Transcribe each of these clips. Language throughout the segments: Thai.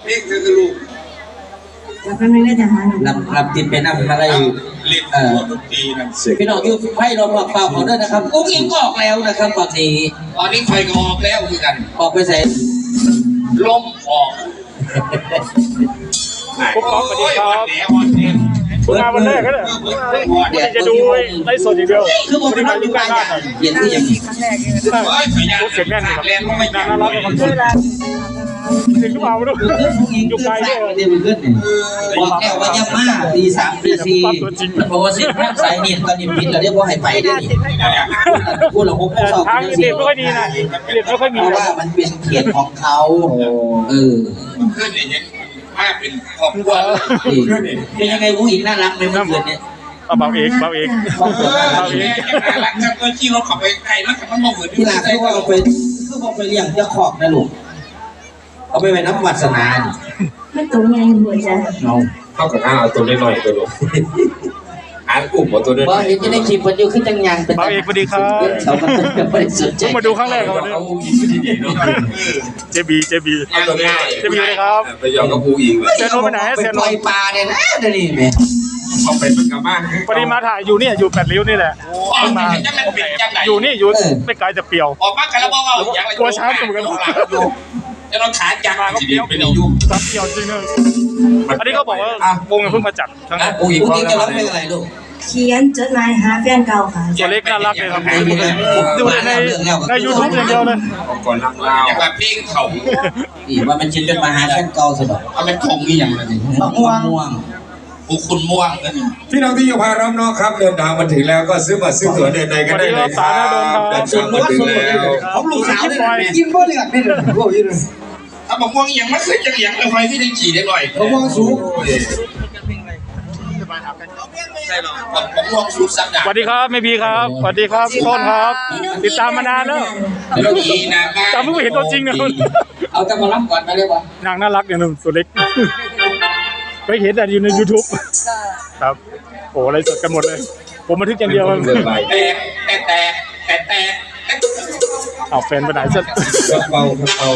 เพลงคือลูกแล้วก็ไม่ได้จะหาลำติดไปนั่งอะไรเล่นดนตรีนั่นพี่น้องยูให้เราบอกเปล่าขอด้วยนะครับอุ้งอิงออกแล้วนะครับตอนนี้ไฟก็ออกแล้วคือกันออกไปเสร็จลมออกปุ๊บป๊อกสวัสดีครับคุณมาวันแรกก็ได้จะดูไลฟ์สดอย่างเดียวคือผมเป็นนักดูการเย็นที่ยังเสียงแน่นครับน่ารักกับคนเสียงก็มาไม่รู้อยู่ไกลด้วยเดี๋ยวมันขึ้นเนี่ยบอกแก้วว่าย่ำมากตี3 ตี 4เพราะว่าเส้นทางสายเนี่ยตอนนี้พิษเราเรียกว่าให้ไปได้ดิพูดหลงพูดสอบทางเด็ดไม่ค่อยดีนะเด็ดไม่ค่อยมีเพราะว่ามันเป็นเขตของเขาขึ้นเนี่ยมาเป็นครอบครัวเป็นยังไงผู้หญิงน่ารักไหมเมื่อคืนเนี่ยเบาเอกรักจังเลยที่เราขับไปไกลแล้วขับมันมองเหมือนที่หลังคือว่าเอาไปเลี้ยงเจ้าขอบนะลูกเอาไปน้ำวัดสนานไม่ตัวใหญ่หัวใจเข้ากับข้าวตัวน้อยตัวลูกกลุ่มตัวเดินว่าเห็นจะได้คลิปมันอยู่ขึ้นจังยังเป็นเบาเอกสวัสดีครับเขาไม่ได้สนใจมาดูครั้งแรกเขาเนี่ยเจบีเลยครับไปยอมกับผู้หญิงเซนโนไปไหนเซนโนไปปลาเนี่ยนะเดี๋ยวนี้แม่เขาไปเป็นกับบ้านพอดีมาถ่ายอยู่เนี่ยอยู่8 ริ้วนี่แหละมาอยู่นี่อยู่ไม่ไกลจะเปรียวออกมากันแล้วบอกว่าอย่างไรกลัวช้ำเหมือนกันจะต้องขาจังชีวิตเป็นอายุซับเปรียวจริงเลยอันนี้เขาบอกว่าวงเพิ่งมาจัดครั้งแรกผู้หญิงจะร้องเพลงอะไรลูกเขียนจดหมายหาแฟนเก่าค่ะตัวเล็กน่ารักเลยครับดูใน YouTube อย่างเดียวเลยก่อนรักเล่าอย่างแบบเพลงเขาว่ามันชิ้นเป็นมหาแฟนเก่าสุดเอาเป็นทงนี่อย่างไรม่วงคุณม่วงพี่น้องที่อยู่พารอบนอกครับเดินทางมาถึงแล้วก็ซื้อบัตรซื้อตั๋วเดินในกันได้เลยครับเดินทางมาถึงแล้วของลูกสาวได้กินบ่เหลือกได้เลยพวกนี้เลยถ้าบอกม่วงอย่างมันเคยจะเลี้ยงเลยไฟที่ได้ขี่ได้หน่อยผมม่วงสูงใช่หรอผมม่วงสูงสักดาสวัสดีครับไม่บีครับสวัสดีครับต้นครับติดตามมานานแล้วจำไม่เห็นตัวจริงนะเอาแต่มารับก่อนมาเรียกว่านางน่ารักอย่างนึงตัวเล็กไปเห็นแต่อยู่ใน YouTube ครับโอ้อะไรสดกันหมดเลยผมบันทึกอย่างเดียวแต่เอาแฟนไปไหนซะเบา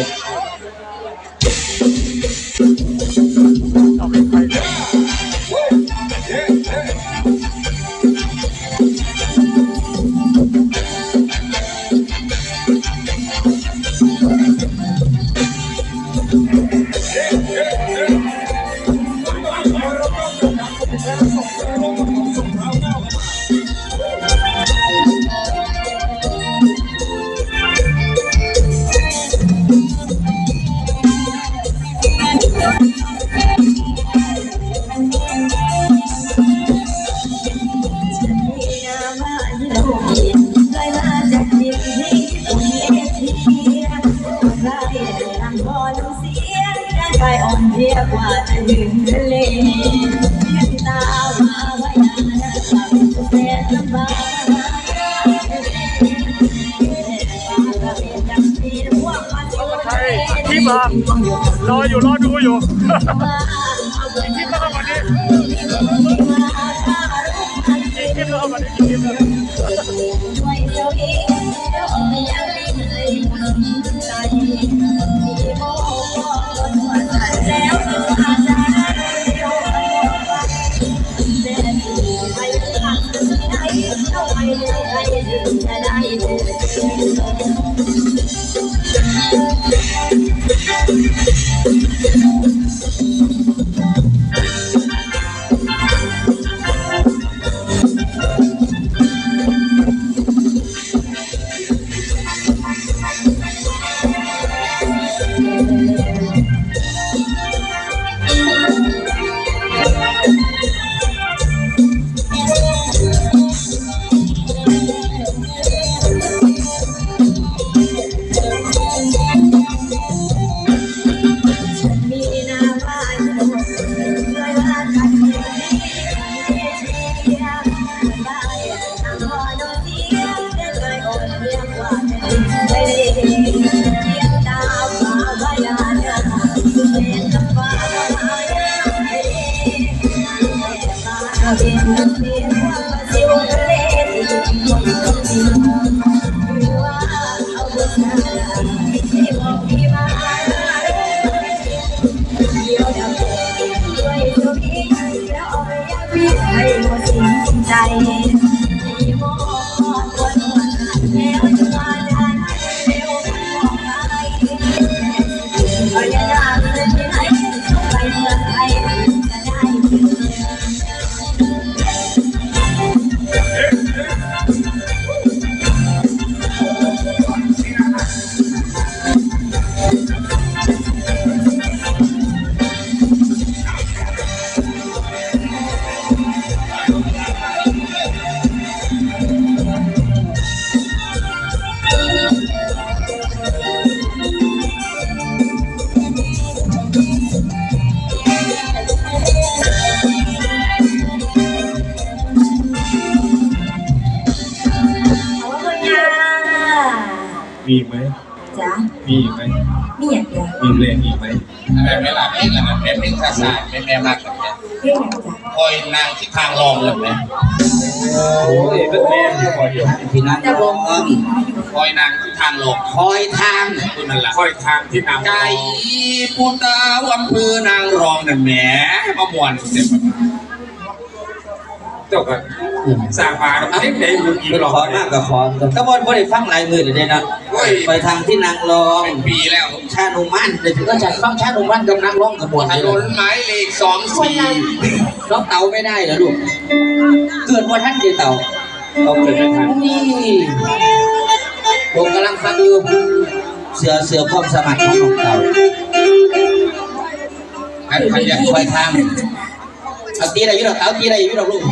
ไปอ่อนเทียบว่าจะยืนทะเลตาว่าไว้นาแสนลำบากที่มารอดูอยู่ที่มาวันนี้ที่มาวันนี้ด้วยเจ้าเองยังไม่เคยทำใจที่โมแล้วอาจารย์ไปทางไหนเข้าไปจะได้เดียวดำด้วยเจ้าพี่แล้วเอาไปยังพี่ให้หมดสิ้นใจที่มองตัวหนวดแล้วจะมาได้เร็วบอกไปพยายามจะที่ไหนไปเมืองไทยจะได้มีไหมจ้ะมีไหมมีอย่างจ้ะมีเพลงอีกไหมแบบไม่หลับเองนะแบบเป็นภาษาแม่มากแบบนี้เรื่องอย่างจ้ะคอยนางที่ทางรองเลยไหมโอ้ยเป็นแม่ที่คอยอยู่ที่นั่งรองคอยนางที่ทางรองคอยทางคุณนั่นแหละคอยทางที่นำไก่ปูตาอำเภอนางรองนั่นแหมมามวนเต็มเจ้าก็สร้างมาเล็กในยุคอีกเป็นหรอกขอมากกับขอก็บ่ได้ฟังหลายมือเลยนะไปทางที่นางรองเป็นปีแล้วชานุมันเดี๋ยวก็จะฟังชานุมันกับนางรองกับบวชถนนหมายเลข24น้องเต่าไม่ได้เหรอลูกเกิดวันท่านเดียวเต่าต้องเกิดไม่ทันนี่ผมกำลังฟังอยู่เสือความสมัครของน้องเต่าอันอยากคอยทางเอาตีอะไรอยู่ดอกเต่าตีอะไรอยู่ดอกลูก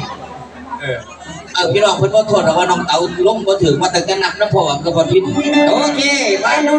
พี่น้องเพิ่นบ่โทษว่าน้องเต่าลงบ่ถึงมาตั้งแต่นับน้ำพ่อกับบ่พินโอเคไป